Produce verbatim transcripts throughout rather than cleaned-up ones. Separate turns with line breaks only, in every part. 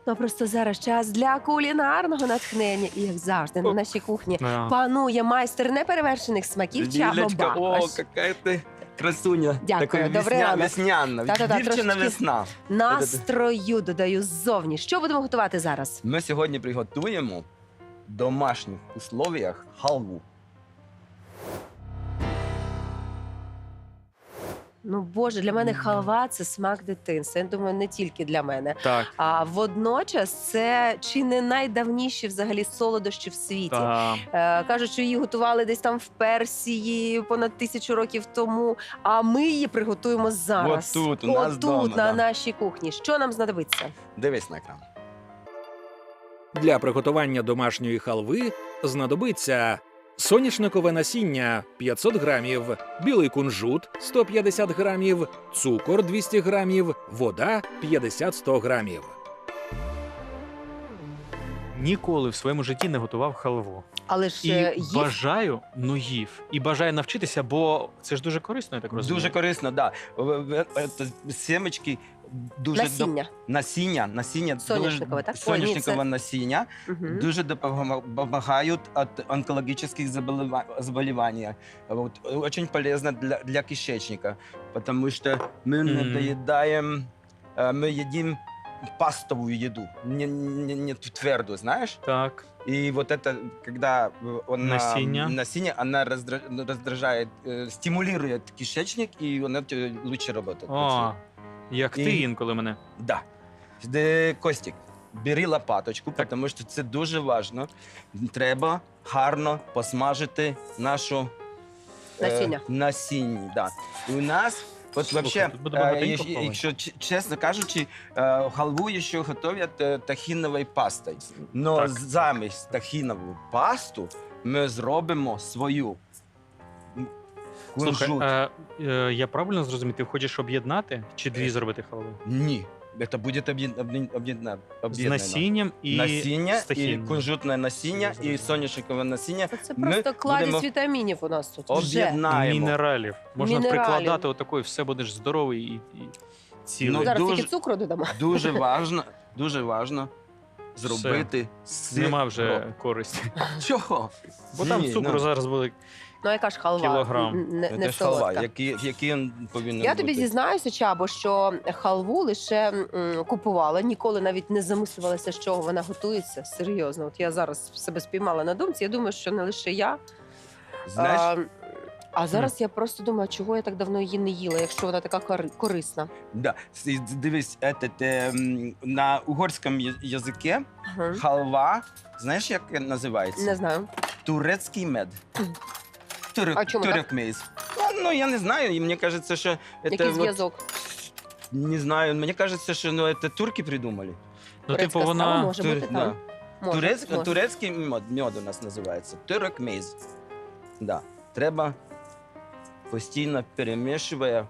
Ну, просто зараз час для кулінарного натхнення. І, як завжди, на нашій кухні
Да.
панує майстер неперевершених смаків Чабо
Лілечка, о,
Бакош.
яка ти красуня.
Дякую,
Така
добрий
весня,
ранок.
весняна,
Та-та-та,
дівчина
трошечки
весна.
Настрою додаю ззовні. Що будемо готувати зараз?
Ми сьогодні приготуємо в домашніх условіях халву.
Ну, Боже, для мене халва – це смак дитинства. Я думаю, не тільки для мене.
Так,
А водночас це чи не найдавніші взагалі солодощі в світі.
та,
Е, кажуть, що її готували десь там в Персії понад тисячу років тому, а ми її приготуємо зараз.
От тут, у нас
От
вдома,
тут, на
да.
нашій кухні. Що нам знадобиться?
Дивись на екран.
Для приготування домашньої халви знадобиться соняшникове насіння п'ятсот грамів, білий кунжут сто п'ятдесят грамів, цукор двісті грамів, вода п'ятдесят сто грамів.
ніколи в своєму житті не готував халву.
Але ж
І
е, їв
бажаю, ну їв. І бажаю навчитися, бо це ж дуже корисно, я так розумію.
Дуже корисно, так. Да. Семечки дуже
насіння.
доп- насіння, насіння
Соняшникове,
дуже-
так? Ой, ні,
соняшникове
це-
насіння
Мгм.
дуже допомагають від онкологічних заболева- заболеваний. Вот, очень полезно для, для кишечника, потому что мы не
Мгм.
доедаем, э, мы едим пастовую еду, не, не, не твердую, знаешь?
Так.
И вот это, когда э, он
Насіння.
насіння, она раздра- раздражает, э, стимулирует кишечник, и он это лучше работает.
О, як ти
І-
інколи мене.
Да. Де, Костік, бери лопаточку,
Так.
тому що це дуже важливо. Треба гарно посмажити нашу е,
Насіння.
насіння. Да. І у нас, от
Слухай,
вообще,
тут буде
е,
багатенько
якщо-
хавати.
якщо ч- чесно кажучи, е, халву ще готують е, тахіновою пастою. Но
Так.
замість тахінову пасту ми зробимо свою. М,
Слухай,
кунжут.
е, е, я правильно зрозумів, ти хочеш об'єднати чи дві
Е,
зробити халви?
Ні, це буде об'єд- об'єд- об'єднано.
З
об'єднано.
насінням і
насіння,
з
і
тахіном.
кунжутне насіння,
Я зрозумів.
і соняшникове насіння.
Та Це
Ми
просто кладезь
будемо
вітамінів у нас тут. Вже.
об'єднаємо.
Мінералів. Можна
Мінералів.
прикладати отако, і все будеш здоровий і, і цілий.
Ну,
Зараз
дуже-
тільки цукру додамо.
Дуже важно, дуже важно зробити сир.
Нема вже користі.
Чого?
Бо там
Ні,
цукру
ну,
зараз буде.
Ну, яка ж халва?
Кілограм.
Н- Не,
Це
не
ж халва,
солодка.
який, який він повинен
Я
бути.
тобі зізнаюся, Чабо, що халву лише м, купувала, ніколи навіть не замислювалася, з чого вона готується. Серйозно, от я зараз себе спіймала на думці. Я думаю, що не лише я.
Знаєш,
А, а зараз я просто думаю, чого я так давно її не їла, якщо вона така кори- корисна.
да, с- дивись, этот, ем, на угорському я- язикі
Ага.
халва, знаєш, як називається?
Не знаю.
Турецький мед. Турек,
А чому так?
турекмейз. Ну, ну, я не знаю, і мені кажеться, що
Який
це вот,
зв'язок?
не знаю, мені кажеться, що ну, це турки придумали.
Ну,
Турецька
типу,
страва
вона.
може
Тур-
бути
да.
там. Може,
Турецьк,
може.
турецький мед, мед у нас називається. Турекмейз. Да. Треба постійно перемішує,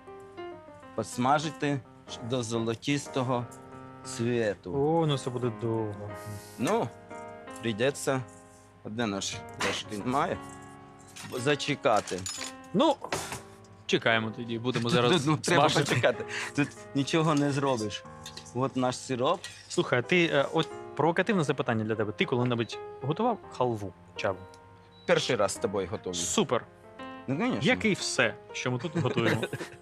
посмажити до золотистого цвіту.
О, ну це буде довго.
Ну, прийдеться, де наш трошки немає, зачекати.
Ну, чекаємо тоді, будемо зараз
Ну, треба
смажити.
почекати. Тут нічого не зробиш. От наш сироп.
Слухай, а ти е, от провокативне запитання для тебе. Ти коли-небудь готував халву, Чабо?
Перший раз з тобою готовий.
Супер.
Ну, звісно.
Як і все, що ми тут готуємо.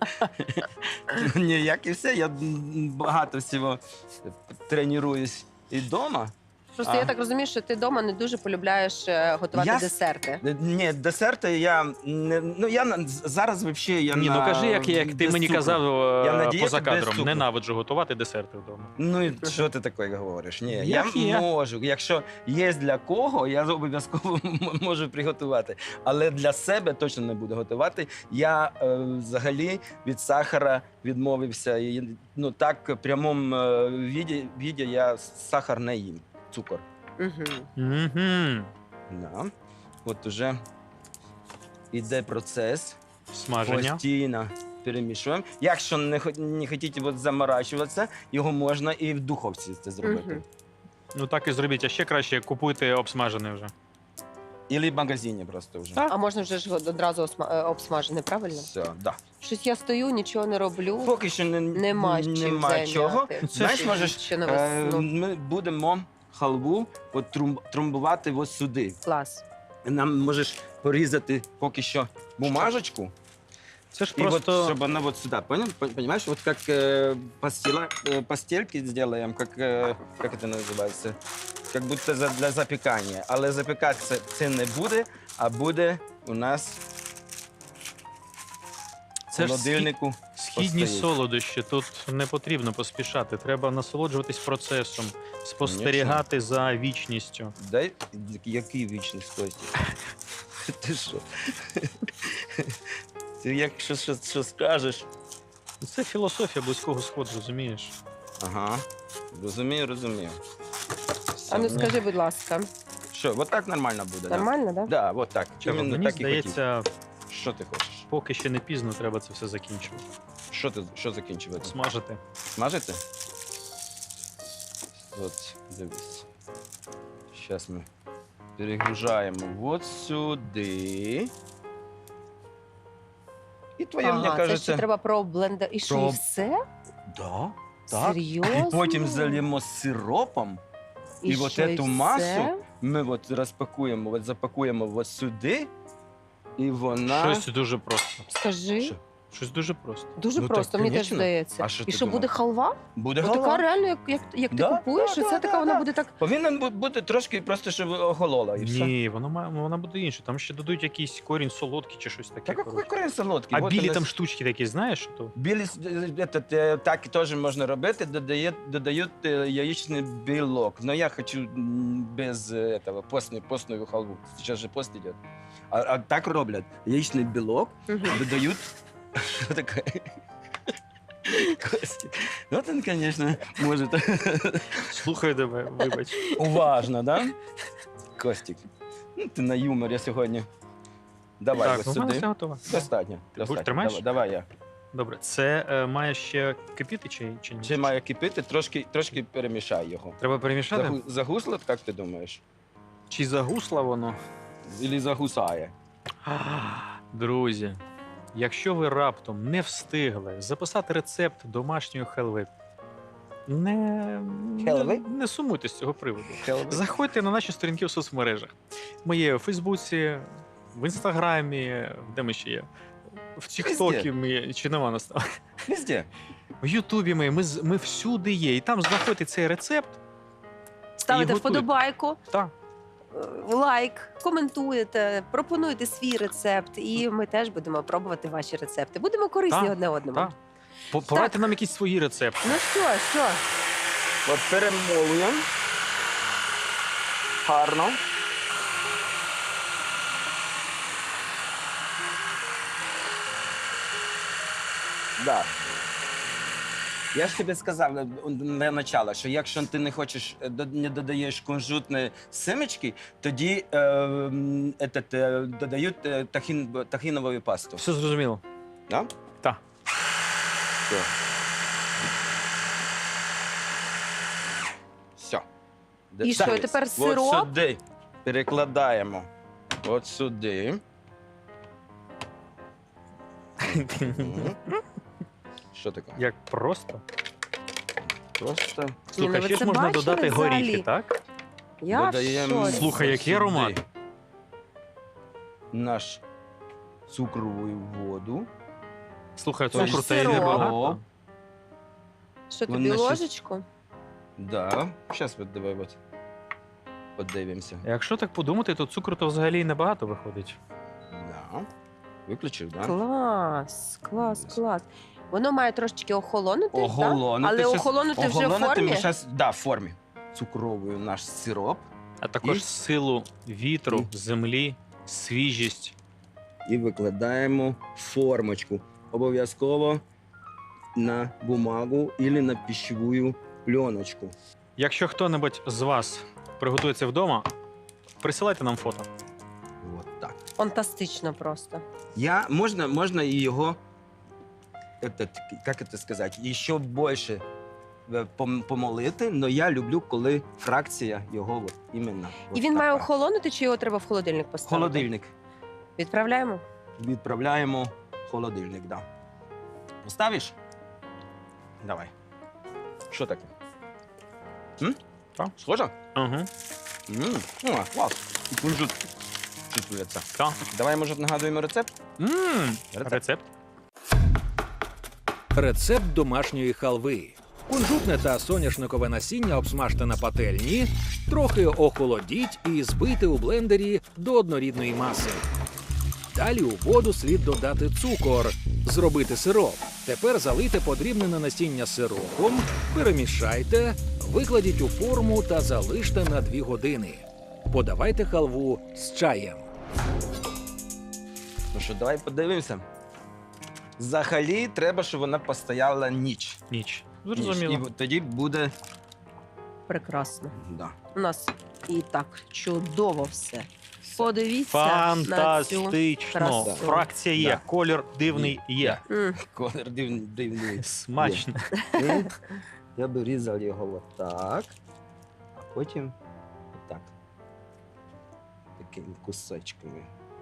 Ні, як і все, я м, багато всього тренуюсь і вдома.
Просто
А.
я так розумію, що ти вдома не дуже полюбляєш е, готувати
Я с-
десерти.
Ні, десерти я не. Ну, я на- зараз взагалі я
Ні, ну
на-
кажи, як, як ти
без
мені
цукру.
казав
Я на
е,
дієті
поза
без
кадром.
цукру.
Ненавиджу готувати десерти вдома.
Ну і що ти таке говориш? Ні,
Як
я
є.
можу. Якщо є для кого, я обов'язково м- можу приготувати. Але для себе точно не буду готувати. Я е, взагалі від сахара відмовився. І, ну так, в прямому е, віді, віді я сахар не їм. Цукор.
Угу.
Угу.
Да. От уже іде процес.
Смаження.
Постійно перемішуємо. Якщо не, хо- не хочете от заморачуватися, його можна і в духовці це зробити.
Мгм.
Ну так і зробіть, а ще краще купуйте обсмажений вже.
Или в магазині просто вже.
Так.
А можна вже ж одразу осма- е, обсмажене, правильно?
Все, да.
Щось я стою, нічого не роблю.
Поки що не,
Нема чим
нема
зайняти.
чого.
Це
Знаєш,
ж
можеш,
ще на
е,
весну.
ми будемо халву от трум, трамбувати ось сюди.
Клас.
Нам можеш порізати поки що бумажечку.
Це ж
И
просто
вот, чтобы она вот сюда, понял? Пон- Понимаешь, вот как э, пастила, э, пастельки сделаем, как, э, как это называется? Как будто за, для запікання. Але запікати це, це не буде, а буде у нас в
це ж схід-
холодильнику.
східні
постоїть.
солодощі. Тут не потрібно поспішати. Треба насолоджуватись процесом, спостерігати за вічністю.
Дай, який вічний Костя? Ти що? Ти якщо що, що скажеш?
Це філософія близького сходу, розумієш?
Ага, розумію, розумію.
А ну
Все,
скажи, будь ласка,
Що, от так нормально буде? да?
нормально, так?
Да, от так.
Чого?
Іменно
Мені
так і хотів.
здається,
Що ти хочеш?
поки ще не пізно, треба це все закінчувати.
Що ти що закінчувати?
Смажити.
Смажити? От, дивись. Зараз ми перегружаємо от сюди. І твоє, мені
Ага, це
кажеться.
ще треба про блендер. І що,
Про-
і все?
Да, так.
Серйозно?
І потім зальємо сиропом. і от
що,
эту
і
масу
все?
Ми от розпакуємо, от запакуємо от сюди. І вона.
Щось дуже просто.
Скажи.
Що?
Щось дуже просто.
Дуже
Ну, так,
просто, мені теж
конечно.
здається.
А що
І
ти
що
думав?
буде халва?
Буде
Ось
голова.
така реально, як, як, як ти
Да,
купуєш,
да,
і це
да,
така
да,
вона
да.
буде так.
Повинен бу- бути трошки просто, щоб охолола. І все.
Ні, воно має, вона буде інше. Там ще додають якийсь корінь солодкий чи щось таке.
Так
коротше.
який корінь солодкий.
А
Вот
білі
у
там
нас-
штучки такі, знаєш? То?
Білі с- этот, е, так теж можна робити, додає, додають е, яєчний білок. Но я хочу м, без е, этого, постной, постную халву. Сейчас же пост идет. А, а так роблять. Яєчний білок
Мгм.
додають... Що таке? Костя. Ну, він, звісно, може...
Слухай тебе, вибач.
Уважно, да? Костік, ну ти на юморі сьогодні. Давай
Так,
ось
ну в мене
сюди.
все готово.
Достатньо. достатньо.
тримаєш?
Давай, давай я.
Добре, це е, має ще кипіти чи, чи ні?
Ще має кипіти, трошки, трошки перемішай його.
Треба перемішати?
Загу... Загусло, як ти думаєш?
Чи загусло воно?
Ілі загусає?
Друзі, якщо ви раптом не встигли записати рецепт домашньої хелви, не, не,
Хелви?
не сумуйте з цього приводу.
Хелви?
Заходьте на наші сторінки в соцмережах. Ми є у Фейсбуці, в Інстаграмі, де ми ще є? В Тіктокі ми є, чи нема нас там?
Везде.
В Ютубі ми, ми, з- ми всюди є. І там знаходите цей рецепт.
Ставите
готуйте.
вподобайку,
Так.
е, лайк, коментуєте, пропонуєте свій рецепт, і ми теж будемо пробувати ваші рецепти. Будемо корисні
Так,
одне одному.
так. По- Порадьте нам якісь свої рецепти.
Ну що, що?
От перемолуємо. Гарно. Да. Я ж тобі сказав е, на начало, що якщо ти не хочеш, е, до- не додаєш кунжутної семечки, тоді е, м, этот, е, додають е, тахін, тахінову пасту.
Все зрозуміло.
Да?
Так.
Все. Все.
І що, тепер сироп?
От сюди перекладаємо. От сюди. Мгм. Що таке?
Як просто.
Просто
Слухай,
ну ви
ще ж
це
можна
бачили
додати
взагалі?
горіхи, так?
Я в
додаємо
шоці.
Слухай, який
сюди
аромат.
наш цукрову воду.
Слухай,
Тобто
цукру та й
сироп.
небагато.
Що тобі
Вони ще-
ложечку?
Да. Зараз от давай от подивимося.
Якщо так подумати, то цукру то взагалі й небагато виходить.
Да. Виключив, так? Да?
Клас, клас, клас. Воно має трошечки охолонути,
Охолонути.
так? Але
Щас-
охолонути вже в
Охолонути
формі?
ми щас, да, в формі. Цукровою наш сироп.
А також
І?
силу вітру,
І?
землі, свіжість.
І викладаємо в формочку. Обов'язково на бумагу або на пищеву пленочку.
Якщо хто-небудь з вас приготує це вдома, присилайте нам фото.
Вот так.
Фантастично просто.
Я, можна, можна і його, этот, як це сказати, ще більше е, пом- помолити, але я люблю, коли фракція його от, іменно.
І
от
він має
така.
охолонути, чи його треба в холодильник поставити?
Холодильник.
Відправляємо?
Відправляємо в холодильник, да. Поставиш? Давай. Що таке? М?
Так.
Схоже?
Угу.
М, О, клас. І кунжут чувствується.
Так.
Давай, може, нагадуємо рецепт?
М,
Рецепт.
Рецепт.
Рецепт домашньої халви. Кунжутне та соняшникове насіння обсмажте на пательні, трохи охолодіть і збийте у блендері до однорідної маси. Далі у воду слід додати цукор, зробити сироп. Тепер залийте подрібнене насіння сиропом, перемішайте, викладіть у форму та залиште на дві години. Подавайте халву з чаєм.
Ну що, давай подивимося. Взагалі, треба, щоб вона постояла ніч.
Ніч.
Ніч.
Зрозуміло.
І тоді буде.
Прекрасно.
Да.
У нас і так чудово все. Подивіться на цю
Фантастично.
красу.
Фракція є,
Да.
колір дивний є.
М,
Колір дивний. дивний.
Смачно.
І я би різав його отак, а потім отак. Такими кусочками.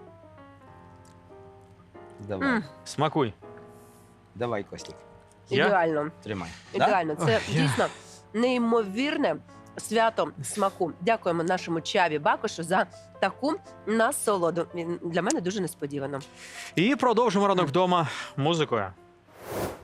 Давай.
м,
Смакуй.
Давай, Костік,
Я?
Ідеально.
тримай. Да?
Ідеально. Це
Ой, я-
дійсно неймовірне свято смаку. Дякуємо нашому Чаві Бакошу за таку насолоду. Він для мене дуже несподівано.
І продовжимо ранок вдома музикою.